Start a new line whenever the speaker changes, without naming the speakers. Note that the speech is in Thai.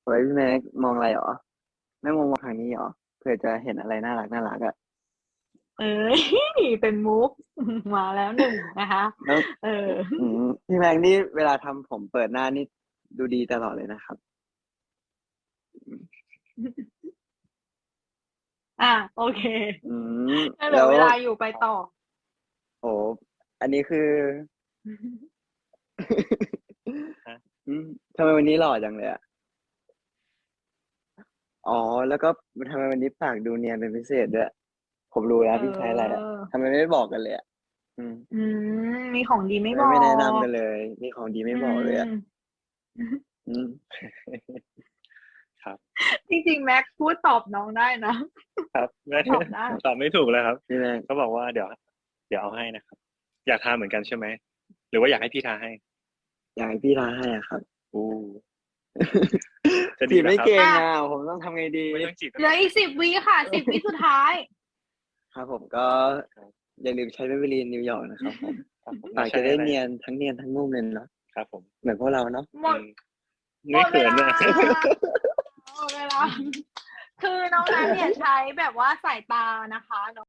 ฮ้ยพี่แม็กมองอะไรหรอไม่มองทางนี้หรอเผื่อจะเห็นอะไรน่ารักอ่ะ
เอ้ยเป็นมุกมาแล้วหนึ่งนะคะ
แล้ว
เออ
พี่แม็กนี่เวลาทำผมเปิดหน้านี่ดูดีตลอดเลยนะครับ
โอเค
อืม
งั้นเหลื
แล้ว
อเวลาอยู่ไปต่อ
โหอันนี้คือ
ฮะ
อืมทำไมวันนี้หล่อจังเลยอ่ะอ๋อแล้วก็ทำไมวันนี้ปากดูเนียนเป็นพิเศษด้วยผมรู้แล้
เ
วพี่ใช้อะไรอ่ะ
ออ
ทำไมไม่บอกกันเลยอ่ะอืม
อืมีของดีไม่บอ
ทำไมไม่แนะนำ
ก
กันเลยมีของดีไม่
อื
บอกเลยอ่ะ
ม
อืม
ครับ
จริงๆแม็กพูดตอบน้องได้นะ
ครับไม่
ตอบได้
ตอบไม่ถูกเลยครับ
พี่แม็ก
เขาบอกว่าเดี๋ยวเอาให้นะครับอยากทาเหมือนกันใช่ไหมหรือว่าอยากให้พี่ทาให้
อยากให้พี่ทาให้อ่ะครับ
อู้จะ
จี
ดีเหรอครับ
บไม่เก่ง
อ่ะ
อ่ะผมต้องทำไงดี
ไม่ต้องจีบก็
เหลืออีก10 วิค่ะ10 วิสุดท้าย
ครับผมก็อย่าลืมใช้เมเบลีนนิวยอร์กนะครับผม
ครับผม
ปากจะได้เนียนทั้งเนียนทั้งนุ่มเลยเนาะ
ครับผม
เหมือนพวกเราเนาะ
หมด
อืม
หม
ไม่
ดเวลา
เขินเลย
หมดเวลาคือน้องนั้นเนี่ยใช้แบบว่าสายตานะคะ